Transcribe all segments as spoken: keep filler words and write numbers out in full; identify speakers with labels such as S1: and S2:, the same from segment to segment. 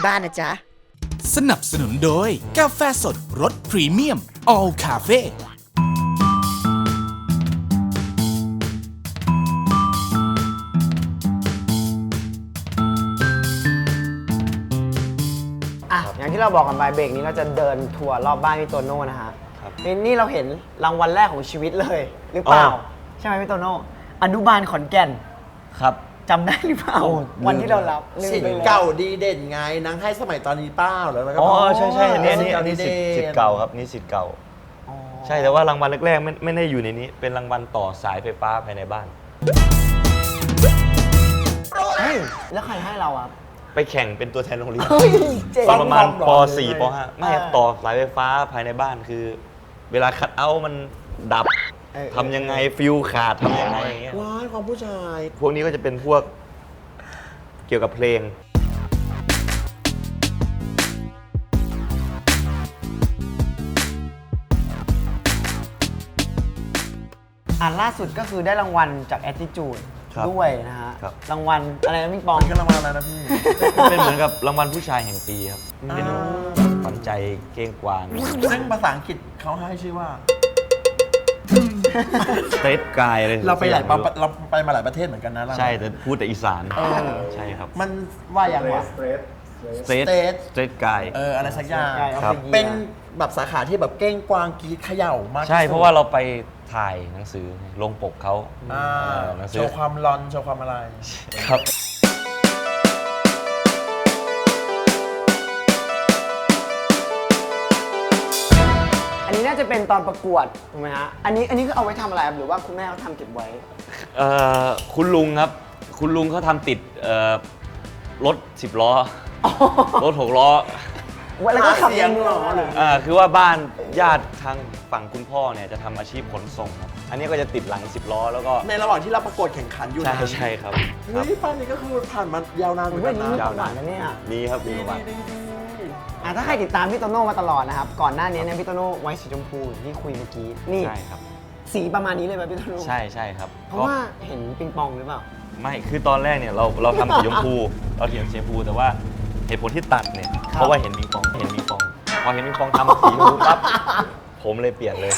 S1: บ้านนะจ๊ะ
S2: สนับสนุนโดยกาแฟสดรสพรีเมียม All Cafe
S3: อ่ะอย่างที่เราบอกกันไปเบรกนี้เราจะเดินทัวร์รอบบ้านพี่โตโน่นะฮะนี่นี่เราเห็นรางวัลแรกของชีวิตเลยหรือเปล่าใช่ไหมพี่โตโน่อนุบาลขอนแก่น
S4: ครับ
S3: จำได้หรือเปล่าวันที่เรารับ
S5: สิทธิ์เก่าดีเด่นไงนางให้สมัยตอนนี้เป้าแล้วก็
S4: อ๋อใช่ใช่อันนี้อันนี้อันนี้สิทธิ์สิทธิ์เก่าครับนี่สิทธิ์เก่าใช่แต่ว่ารางวัลแรกๆไม่ไม่ได้อยู่ในนี้เป็นรางวัลต่อสายไฟฟ้าภายในบ้าน
S3: แล้วใครให้เราอ่ะ
S4: ไปแข่งเป็นตัวแทนโรงเรียนตอนประมาณป .สี่ ป .ห้า ไม่ต่อสายไฟฟ้าภายในบ้านคือเวลาคัทเอาท์มันดับทำยังไงฟิวขาดทำยังไงอย่างเงี้ย
S5: ว้ายความผู้ชาย
S4: พวกนี้ก็จะเป็นพวกเกี่ยวกับเพลง
S3: อ่าล่าสุดก็คือได้รางวัลจาก Attitude ด้วยนะฮะรางวัลอะไรนะพี่ปอง
S5: ก็รางวัลอะไรนะพี่
S4: เป็นเหมือนกับรางวัลผู้ชายแห่งปีครับเป็นขวัญใจเก้งกวาง
S5: ซึ่งภาษาอังกฤษเขาให้ชื่อว่า
S4: สเตทกายเลย
S5: เราไปหลายเราไปมาหลายประเทศเหมือนกันนะ
S4: ใช่แต่พูดแต่อีสานใช่ครับ
S5: มันว่าอย่างไร
S4: สเตทสเตทกาย
S5: เอออะไรสักอย่างเป็นแบบสาขาที่แบบเก้งกวางกีดเขย่ามาก
S4: ใช่เพราะว่าเราไปถ่ายหนังสือลงปกเขา
S5: โชว์ความร้อนโชว์ความอะไร
S4: ครับ
S3: อันนี้น่าจะเป็นตอนประกวดถูกไหมฮะอันนี้อันนี้คือเอาไว้ทำอะไรหรือว่าคุณแม่เขาทำเก็บไว้
S4: เอ่อคุณลุงครับคุณลุงเขาทำติดรถสิบล้อรถหกล้อ
S3: แล้วก็ขับในเมืองหรือ
S4: อ่าคือว่าบ้านญาติทางฝั่งคุณพ่อเนี่ยจะทำอาชีพขนส่งครับอันนี้ก็จะติดหลังสิบล้อแล้วก็
S5: ในระหว่างที่เราประกวดแข่งขันอยู่
S4: ใช่ใช่ครับ
S5: นี่ป้านี่ก็คือผ่านมายาวนานเหมือนกันนะ
S3: ยาวนานนะเนี่ย
S4: มีครับมีประวัติ
S3: ถ้าใครติดตามพี่โตโน่มาตลอดนะครับก่อนหน้านี้เนี่ยพี่โตโน่ไว้สีชมพูที่คุยเมื่อกี้นี่
S4: ใช่ครับ
S3: สีประมาณนี้เลยไหมพี่โตโน่
S4: ใช่ใช่ครับ
S3: เพราะว่าเห็นปิงปองหรือเปล่า
S4: ไม่คือตอนแรกเนี่ยเราเราทำสีชมพูเราเขียนสีชมพูแต่ว่าเหตุผลที่ตัดเนี่ยเพราะว่าเห็นปิงปองเห็นปิงปองพอเห็นปิงปองทำสีชมพูปั๊บผมเลยเปลี่ยนเลย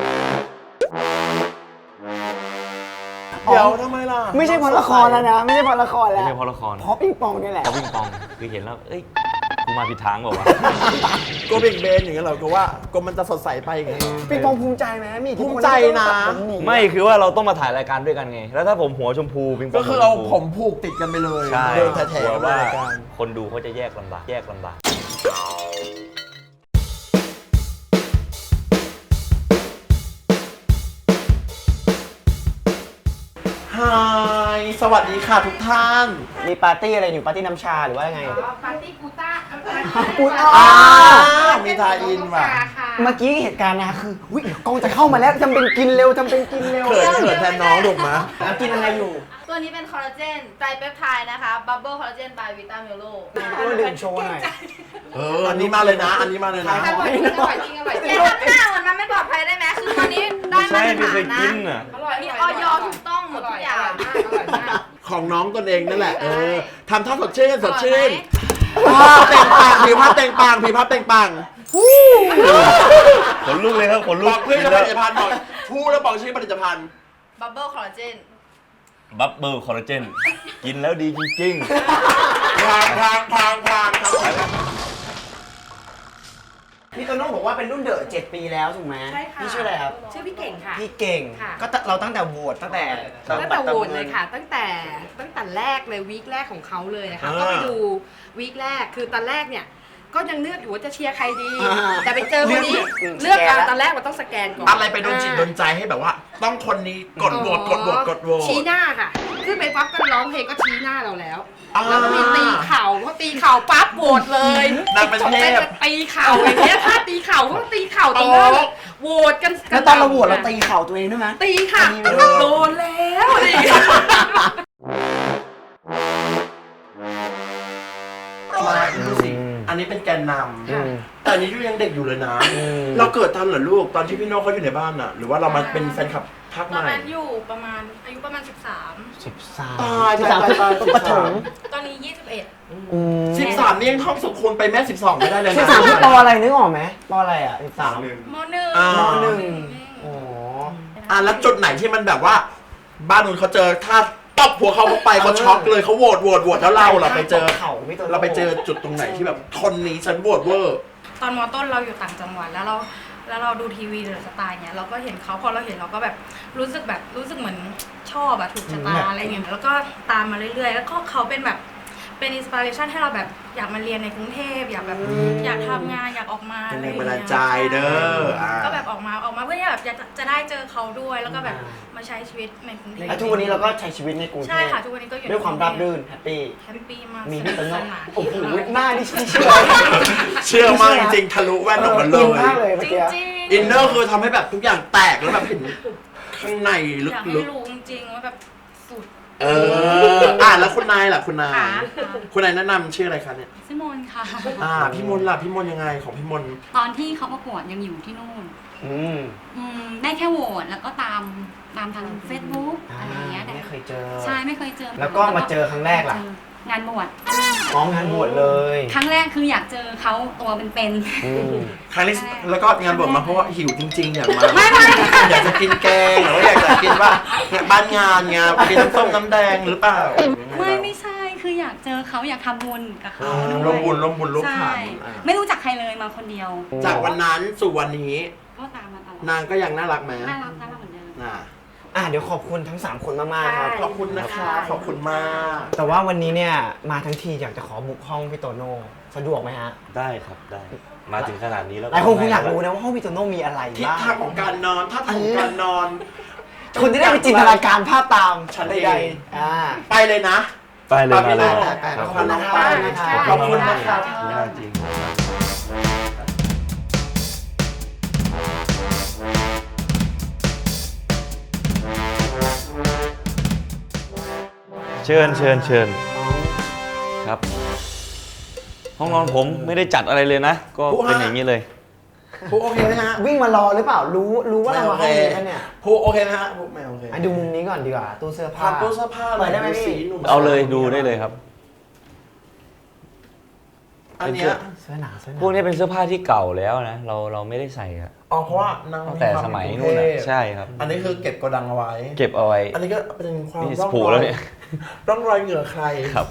S5: เดี๋ยวทำไมล่ะ
S3: ไม่ใช่เพราะละครแล้วนะไม่ใช่เพราะละครแล้ว
S4: ไม่ใช่เพราะละคร
S3: เพราะปิงปองนี่แหละ
S4: เพราะปิงปองคือเห็นแล้วเอ้ยกูมาผิดทางเปล่าวะ
S5: ก็เบ่งเบนอย่างเงี้ยเหรอก็ว่าก็มันจะสดใสไปอย่างเงี้ย
S3: ปิงปองภูมิใจไหมมี
S5: ภูมิใจนะ
S4: ไม่คือว่าเราต้องมาถ่ายรายการด้วยกันไงแล้วถ้าผมหัวชมพูปิงปอง
S5: ก็คือเอาผมผูกติดกันไปเลย
S4: ใช่
S5: เดินแถวๆ
S4: ว่าคนดูเขาจะแยกลำบากแยกลำบาก
S5: ฮายสวัสดีค่ะทุกท่าน
S3: มีปาร์ตี้อะไรอยู่ปาร์ตี้น้ำชาหรือว่ายังไง
S6: ปาร์ตี้กูต้า
S3: กูต้า
S5: มีทาอินว่ะ
S3: เมื่อกี้เหตุการณ์นะคือวิกองจะเข้ามาแล้วจำเป็นกินเร็วจำเป็นกินเร็ว
S5: เขินเขินแทนน้องถูกไหม
S3: แล้วกินอะไรอยู่
S6: ตัวนี้เป็นคอลลาเจนไตรเปปไทด์นะคะบับเบิ้ลคอลลาเจนบายวิตาเมโล
S3: ก็ดื่มโชว์หน่อย
S5: เอออันนี้มาเลยนะอันนี้มาเลยนะ
S6: อร่อยจริงอร่อยจริงอร่อยจริงอย่าทำหน้าเหมือนมันไม่ปลอดภัยได้ไหมคือตัวนี้ได้มาตรฐานนะมีออยถูกต้องหมดทุกอย่าง
S5: ของน้องตนเองนั่นแหละเออทำท่าสดชื่นสดชื่นภาพแต่งปังผิวภาพแต่งปังผิวภาพแต่งปัง
S4: ขนลุกเลยครับขนลุก
S5: บอกเพื่อนผลิตภัณฑ์บอกพูดแล้วบอกชื่อผลิตภัณฑ์
S6: บับเบิ้ลคอลลาเจน
S4: บับเบิ้ลคอลลาเจนกินแล้วดีจริง
S5: ๆพางพางพางพาง
S3: พี่โตโน่บอกว่าเป็นรุ่นเดอะเจ็ดปีแล้วถูกไหม
S6: ใช่ค่ะ
S3: พี่ชื่ออะไรครับ
S6: ชื่อพี่เก่งค่ะ
S3: พี่เก่งก็เราตั้งแต่โหวตตั้งแต่
S6: ตั้งแต่โหวตเลยค่ะตั้งแต่ตั้งแต่แรกเลยวีคแรกของเขาเลยนะคะก็ไปดูวีคแรกคือตอนแรกเนี่ยก็ยังเลือกอยู่ว่าจะเชียร์ใครดีแต่ไปเจอคนนี้เลือกตอนแรกมันต้องสแกนก่อน
S5: อะไรไปโดนจิตโดนใจให้แบบว่าต้องคนนี้กดโหวตกดโหวตกดโหวต
S6: ชี้หน้าค่ะขึ้นไปปั๊บก็ร้องเพลงก็ชี้หน้าเราแล้วแล้วก็มีตีเข่าพอตีเข่าปั๊บโหวตเลย
S5: นางเป็นเทพ
S6: ตีเข่าอย่างเงี้ยถ้าตีเข่าก็ตีเข่าตรงนั้นโหวตกัน
S3: แล้วตอนเราโหวตเราตีเข่าตัวเองด้วยไหม
S6: ตีค่ะโดนแล้วดิ
S5: อันนี้เป็นแกนนำแต่อันนี้ยูยังเด็กอยู่เลยนะเราเกิดทันเหรอลูกตอนที่พี่โน่เขาอยู่ในบ้านน่ะหรือว่าเรามาเป็นแฟนคลับภาคใหม่
S6: ตอนนั้นอยู่ประมาณอายุประมาณสิบสาม
S3: สิบสาม
S5: ตายตายตาย
S3: ปฐม
S6: ตอนนี้ยี่สิบเอ็ด
S3: อืม
S5: สิบสามนี่ยังท่องสุขคุณไปแม่สิบสองไม่ได้เลยนะ
S3: สิบสามคือปออะไรนึกออกไหมปออะไรอ่ะสิบสาม
S6: มหนึ่ง
S5: อ่า
S3: ปหนึ่งอ๋อ
S5: อ่ะแล้วจุดไหนที่มันแบบว่า บ้านนู้นเขาเจอถ้าตบหัวเขาเข้าไปเขาช็อกเลยเขาโหวตโหวตโหวตแล้วเราเราไปเจอ
S3: เขาพี่โตโน่
S5: เราไปเจอจุดตรงไหนที่แบบคนนี้ฉันโหวตเวอร์
S1: ตอนมอต้นเราอยู่ต่างจังหวัดแล้วเราแล้วเราดูทีวีเดอะสไตล์เนี้ยเราก็เห็นเขาพอเราเห็นเราก็แบบรู้สึกแบบรู้สึกเหมือนชอบอะถูกชะตาอะไรเงี้ยแล้วก็ตามมาเรื่อยๆ แล้วก็เขาเป็นแบบเป็นอินสปิเรชันให้เราแบบอยากมาเรียนในกรุงเทพอยากแบบอยากทำงานอยากออกมา
S5: เป็น
S1: อะไร
S5: แรง
S1: เงี้ย
S5: บันดาลใจเด้ออ่า
S1: ก็แบบออกมาออกมาเพื่อที่แบบจะจะได้เจอเขาด้วยแล้วก็แบบมาใช้ชีวิตในกรุงเทพ
S3: แล้วทุกวันนี้เราก็ใช้ชีวิตในกรุงเทพ
S1: ใช่ค่ะทุกวันนี้ก็อยู่
S3: ด้วยความราบรื่นแฮปปี้
S1: แฮปปี้มาก
S3: มีพี่โต
S1: ส
S3: โน่
S1: นาน
S3: โอ้โหหน้านี่เชื่อ
S5: เชื่อมากจริงๆทะลุแว่นออกมาเล
S3: อิน
S5: ย
S3: มากเลยเมื่อ
S1: จ
S3: กี้
S1: ริงๆ
S5: อินเนอร์คือทำให้แบบทุกอย่างแตกแล้วแบบเห็นข้างในล
S1: อยากให้
S5: ึก
S1: รู้จริงๆว่าแบบสุด
S5: ๆเอออ่ะแล้วคุณนายล่ะคุณนาย
S1: ค่ะ
S5: คุณนายแนะนำชื่ออะไรคะเนี่ย
S7: ซิมอนค่ะ
S5: อ่าพี่มนต์ล่ะพี่มนต์ยังไงของพี่มนต์
S7: ตอนที่เขาประกวดยังอยู่ที่นู่น
S3: อืม
S7: อืมได้แค่โหวตแล้วก็ตามตามทาง Facebook
S3: อ่า
S7: อะไรอย่างเงี้ยแต่
S3: ไม่เคยเจอ
S7: ใช่ไม่เคยเจอ
S3: แล้วก็มาเจอครั้งแรกล่ะ
S7: เจองานบวช
S3: น้องงานบวชเลย
S7: ครั้งแรกคืออยากเจอเขาตัวเป็น
S3: อืม
S5: ครั้งนี้แล้วก็งานบวชมาเพราะว่าหิวจริงๆ อยากมา
S7: ไม่ไม่
S5: อยากจะกินแกงหรือว่าอยากจะกินว่าเนี่ยบ้านงานไงกินน้ำส้มน้ำแดงหรือเปล่า
S7: ๆไม่ไม่ใช่คืออยากเจอเขาอยากทำบุญกับเขา
S5: อ่า
S7: ด้วย
S5: ร่วมบุญร่วมบุญร่วม
S7: ใช่
S5: ขันอ่า
S7: ไม่รู้จักใครเลยมาคนเดียว
S5: จากวันนั้นสู่วันนี้
S7: ก็ตามมาตลอด
S5: นางก็ยังน่ารักไหม
S7: น่ารักน่ารักเหมือนเดิม
S5: อ่า
S3: อ่ะเดี๋ยวขอบคุณทั้งสามคนมากๆครับ
S5: ขอบคุณนะคะขอบคุณมาก
S3: แต่ว่าวันนี้เนี่ยมาทั้งทีอยากจะขอบุกห้องพี่โตโน่สะดวกไหมฮะ
S4: ได้ครับได้ มาถึงขนาดนี้แล้ว
S3: หลายคนคงอยากรู้นะว่าห้องพี่โตโน่มีอะไร
S5: ทิศ
S3: บ้าง
S5: ทางของการนอนท่าทางของการนอน
S3: คุณจะได้ไปจินตนาการภาพตาม
S5: ฉัน
S3: ใด
S5: เอง
S3: ๆอ่า
S5: ไปเลยนะ
S4: ไปเลยมาเลย
S3: ไปๆ
S4: ครับ
S3: ขอบคุณนะครับ
S5: ขอบคุณนะครับ
S4: ยากจริง เชิญเชิญเชิญครับ ห้องนอนผมไม่ได้จัดอะไรเลยนะ ก็เป็นอย่างนี้เลย
S5: ผู้โอเคไหมฮะ
S3: วิ่งมารอหรือเปล่า รู้รู้ว่าเรามาห้องนี้กันเนี่ย
S5: ผู้โอเคไหมฮะผู้ไม่โอเค
S3: อ่ะดูมุมนี้ก่อนดีกว่า ตู้เสื้อผ้า
S5: ทำตู้เสื้อผ้า
S3: เปิดได้ไหม
S5: สี
S3: พี่
S5: หนุ่ม
S4: เอาเลยดูได้เลยครับ
S5: อันเนี้ย
S3: เสื้อหนาวเสื้อหนาว
S4: พวกนี้เป็นเสื้อผ้าที่เก่าแล้วนะ เราเราไม่ได้ใส่อะ
S5: อ๋อเพราะว่านาง
S4: ตั้งแต่สมัยนู่นอะใช่ครับ
S5: อันนี้คือเก็บโกดังเอาไว้
S4: เก็บเอาไว้
S5: อันนี้ก็เป็นความ
S4: นี่
S5: ร่อง
S4: ผู
S5: ร
S4: แล้
S5: อ
S4: วย เนี่ย
S5: ร่องรอยเหงื่อใคร
S4: ครับ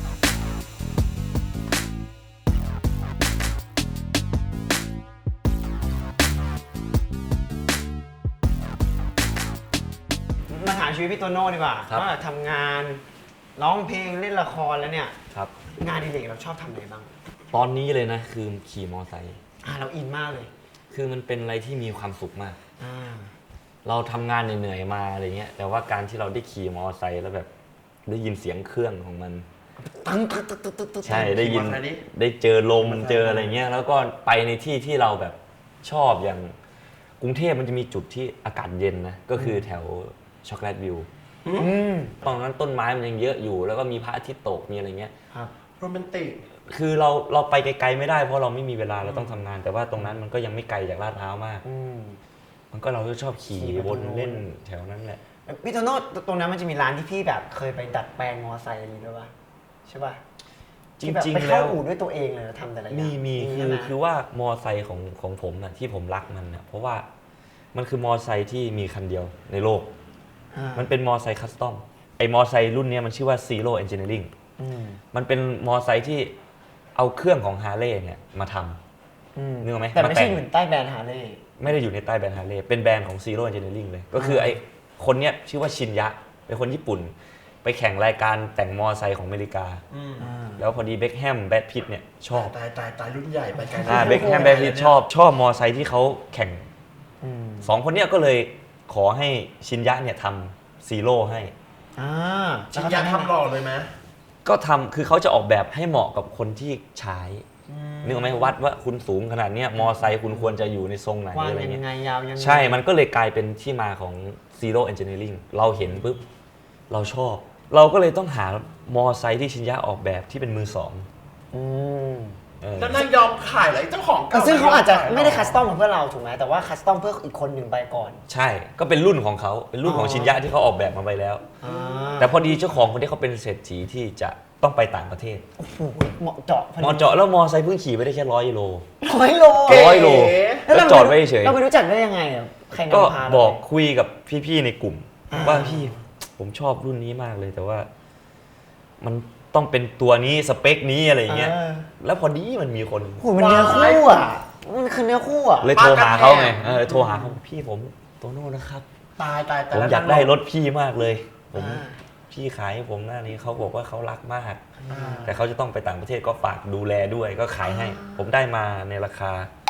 S3: มาถามชีวิตพี่โตโน่ดีกว่า
S4: ครับ
S3: ว่าทำงานร้องเพลงเล่นละครแล้วเนี่ย
S4: ครับ
S3: งานอดิเรกเราชอบทำอะไรบ้าง
S4: ตอนนี้เลยนะคือขี่มอไซค์
S3: อ่าเราอินมากเลย
S4: คือมันเป็นอะไรที่มีความสุขมาก
S3: อ่า
S4: เราทำงานเหนื่อยๆมาอะไรเงี้ย แต่ว่าการที่เราได้ขี่มอไซค์แล้วแบบได้ยินเสียงเครื่องของมัน
S3: ตั้งตึ๊ดตึ๊ดตึ๊ดตึ๊ดตึ๊ด
S4: ใช่ได้ยิน
S5: ขี่มอเตอร์ไซค์ดิ
S4: ได้เจอลมเจออะไรเงี้ย แล้วก็ไปในที่ที่เราแบบชอบอย่างกรุงเทพมันจะมีจุดที่อากาศเย็นนะ ก็คือแถวช็อกโกแลตวิว
S3: อืม
S4: ตอนนั้นต้นไม้มันยังเยอะอยู่ แล้วก็มีพระอาทิตย์ตกมีอะไรเงี้ย
S3: ครับ
S5: โรแมนติก
S4: คือเราเราไปไกลๆไม่ได้เพราะเราไม่มีเวลาเราต้องทำงาน แต่ว่าตรงนั้นมันก็ยังไม่ไกลจากลาดพร้าวมาก
S3: อืม
S4: มันก็เราก็ชอบขี่
S3: ขี่ไป
S4: วน
S3: ตรงนู้น
S4: เล่นแถวนั้นแหละ
S3: พี่โตโน่ตรงนั้นมันจะมีร้านที่พี่แบบเคยไปดัดแปลงมอไซค์อะไรอย่างงี้ด้วยป่ะใช่ป่ะ
S4: จ
S3: ที่แบบ
S4: ริง
S3: ไป
S4: ๆ
S3: เข้า
S4: แล้ว
S3: อู่ด้วยตัวเองเลยแล้วทำแต่ละอย่าง
S4: มีมีคื
S3: ใช่
S4: อ
S3: ไหม
S4: คือว่ามอไซค์ของของผมนะที่ผมรักมันนะเพราะว่ามันคือมอไซค์ที่มีคันเดียวในโลก
S3: อ่า
S4: มันเป็นมอไซค์คัสตอมไอ้มอไซค์รุ่นเนี้ยมันชื่อว่า Zero Engineering
S3: อืม
S4: มันเป็นมอไซค์ที่เอาเครื่องของฮาร์เลย์เนี่ยมาทำ
S3: อืม
S4: นึกออกไหม
S3: แต่ไม่ใช่
S4: มาแต่ง
S3: อยู่ใต้แบรนด์ฮาร์เลย์
S4: ไม่ได้อยู่ในใต้แบรนด์ฮาร์เลย์เป็นแบรนด์ของ Zero Engineering เลย ก็คือไอ้คนเนี้ยชื่อว่าชินยะ เป็นคนญี่ปุ่น ไปแข่งรายการแต่งมอไซค์ของอเมริกา
S5: อืม
S4: แล้วพอดีเบ็คแฮมแบดพิตเนี่ยชอบ
S5: ตายตายตายรุ่นใหญ่ไปไกล
S4: อ่าเบ็คแฮมแบดพิตชอบชอบมอไซค์ที่เขาแข่ง
S3: อืม
S4: สองคนเนี้ยก็เลยขอให้ชินยะเนี่ยทำซีโร่ให้
S3: อ่า
S5: ชินยาทำหล่อเลยไหม
S4: ก็ทำคือเขาจะออกแบบให้เหมาะกับคนที่ใช้นึกออกไหมวัดว่าคุณสูงขนาดเนี้ยมอไซค์คุณควรจะอยู่ในทรงไหน
S3: กว้าง
S4: อะไร
S3: ยั
S4: เงี้
S3: ง
S4: ย
S3: ไงยาวยังไง
S4: ใช่ มันก็เลยกลายเป็นที่มาของ Zero Engineering เราเห็นปุ๊บ เราชอบ เราก็เลยต้องหามอไซค์ที่ชินยะออกแบบที่เป็นมือสอง
S3: อืม
S4: เอออ
S5: แล้วนางยอมขายอะไรเจ้าของ
S3: เออซึ่งเขาอาจจะไม่ได้คัสตอมเพื่อเราถูกไหมแต่ว่าคัสตอมเพื่ออีกคนหนึ่งไปก่อน
S4: ใช่ก็เป็นรุ่นของเขาเป็นรุ่นของ
S3: อ๋อ
S4: ชินยะที่เขาออกแบบมาไปแล้ว
S3: อ่า
S4: แต่พอดีเจ้าของคนที่เขาเป็นเศรษฐีที่จะต้องไปต่างประเทศ
S3: โอ้โหเหมาะเจาะพอดี
S4: มอเจาะแล้วมอไซค์เพิ่งขี่ไปได้แค่ร้อยโล
S3: ร้อยโล
S4: ร้อยโลแล้วจอดไว้เฉย
S3: เราไปรู้จักได้ยังไงอ่ะใคร
S4: ก็
S3: นำพาเรา
S4: บอกคุยกับพี่ๆในกลุ่ม
S3: อ่า
S4: ว่าพี่ผมชอบรุ่นนี้มากเลยแต่ว่า มันต้องเป็นตัวนี้สเปคนี้อะไรอย่างเงี้ย
S3: ออ
S4: แล้วพอดีมันมีคน
S3: โอ้โหมันเนื้อคู่อ่ะมันคือเนื้อคู่อ่ะ
S4: เลยโทรหาเขาไงเออโทรหาเขาพี่ผมโตโน่นะครับ
S5: ตายตายแต่
S4: ผม
S5: ละ
S4: อยากได้รถพี่มากเลย ผม
S3: อ่า
S4: พี่ขายให้ผมหน้านี้เขาบอกว่าเขารักมาก
S5: อ่า
S4: แต่เขาจะต้องไปต่างประเทศก็ฝากดูแลด้วยก็ขายให้ ผมได้มาในราคา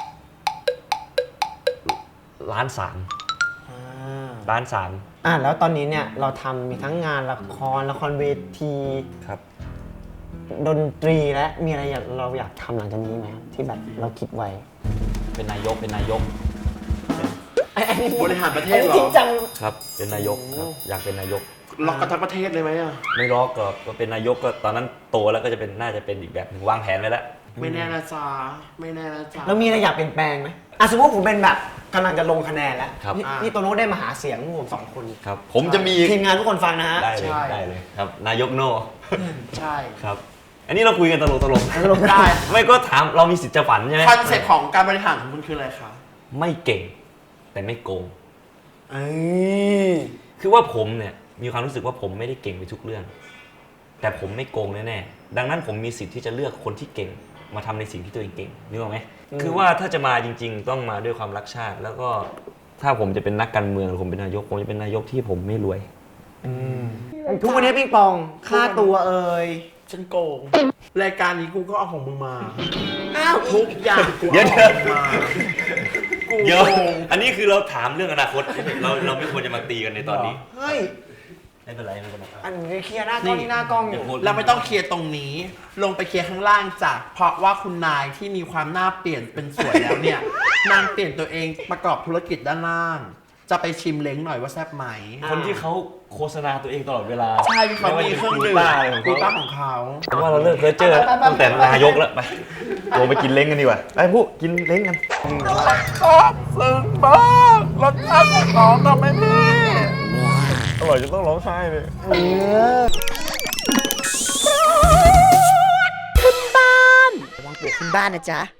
S4: ล้านสาม
S3: อ่า
S4: ล้านสาม
S3: อ่ะแล้วตอนนี้เนี่ยเราทำมีทั้งงานละครละครเวที
S4: ครับ
S3: ดนตรีและมีอะไรอยากเราอยากทำหลังจากนี้ไหมที่แบบเราคิดไว้
S4: เป็นนายกเป็นนายก
S3: ไอ้ไอ้นี่
S5: บริหารประเท
S3: ไอ้
S5: ศ
S3: นี่
S5: เหร
S3: จริ
S5: อง
S3: จัง
S4: ครับ เป็นนายกครับอยากเป็นนายก
S5: ล็อกกันทั้งประเทศเลยไหมอ่ะ
S4: ไม่ล็อกก็ก็เป็นนายกก็ตอนนั้นโตแล้วก็จะเป็นน่าจะเป็นอีกแบบหนึ่งวางแผนไว้แล้ว
S5: ไม่แน่นะจ๊ะไม่แน่นะจ๊ะ
S3: แล้วมีอะไรอยากเปลี่ยนแปลงไหมอ่ะสมมติผมเป็นแบบกำลังจะลงคะแนนแล้ว
S4: ครับ
S3: พี่
S5: อ่า
S3: พี่โตโน่ได้มาหาเสียงพวกผมสองคน
S4: ครับ ผมจะมี
S3: ทีมงานทุกคนฟังนะฮะ
S4: ได้เลย
S5: ใช่
S4: ได้เลยครับ นายกโน่
S5: ใช่
S4: ครับ อันนี้เราคุยกันตลกตลก
S3: ตลก
S5: ได้
S4: ไม่ก็ถามเรามีสิทธิ์จะฝันใช่ไหม
S5: คอนเซ็ปต์ของการบริหารของคุณคืออะไรคะ
S4: ไม่เก่ง แต่ไม่โกง
S3: เอ้ย
S4: คือว่าผมเนี่ยมีความรู้สึกว่าผมไม่ได้เก่งไปทุกเรื่อง แต่ผมไม่โกงแน่ๆดังนั้นผมมีสิทธิ์ที่จะเลือกคนที่เก่งมาทำในสิ่งที่ตัวเองเก่งนึกออกไหมคือว่าถ้าจะมาจริง ๆ ต้องมาด้วยความรักชาติ แล้วก็ถ้าผมจะเป็นนักการเมืองหรือผมเป็นนายกผมจะเป็นนายกที่ผมไม่รวย
S3: ทุกวันนี้ปิงปองค่าตัวเอ่ย
S5: ฉันโกง รายการนี้กูก็เอาของมึงมา อ้าวทุกอย่างกู
S4: เดี๋ยว
S5: เอาของมึงมากู
S4: เดี๋ยว
S5: โกง
S4: อันนี้คือเราถามเรื่องอนาคตเราเราไม่ควรจะมาตีกันในตอนนี้
S3: เฮ้ย
S4: ไม่เป็นไรไม่เป็นไร
S3: อันนี้เคลียร์หน้ากล้องนี่หน้ากล้องอยู่
S5: เราไม่ต้องเคลียร์ตรงนี้ ลงไปเคลียร์ข้างล่างจ้ะเพราะว่าคุณนายที่มีความหน้าเปลี่ยนเป็นสวยแล้วเนี่ย นางเปลี่ยนตัวเองประกอบธุรกิจด้านล่าง จะไปชิมเล้งหน่อยว่าแซ่บไหม
S4: คนที่เขาโฆษณาตัวเองตลอดเวลา
S5: ใช่ที่เขามีเครื่องดื่ม
S4: ไม่ว่าจะเป็น
S5: กู
S4: กู
S5: ต้า
S4: ต้า
S5: ของเขา
S4: ผมว่าเราเลิกเพ้อเจ้อตั้งแต่นายกแล้วไปโทรไปกินเล้งกันดีกว่าไปผู้กินเล้งกัน
S5: ชอบซึ้งมากรสชาติของน้องทำให้พี่
S4: อร่อยจนต้องร้องไห้เลย
S3: ระวังปวกขึ้นบ้านนะจ๊ะ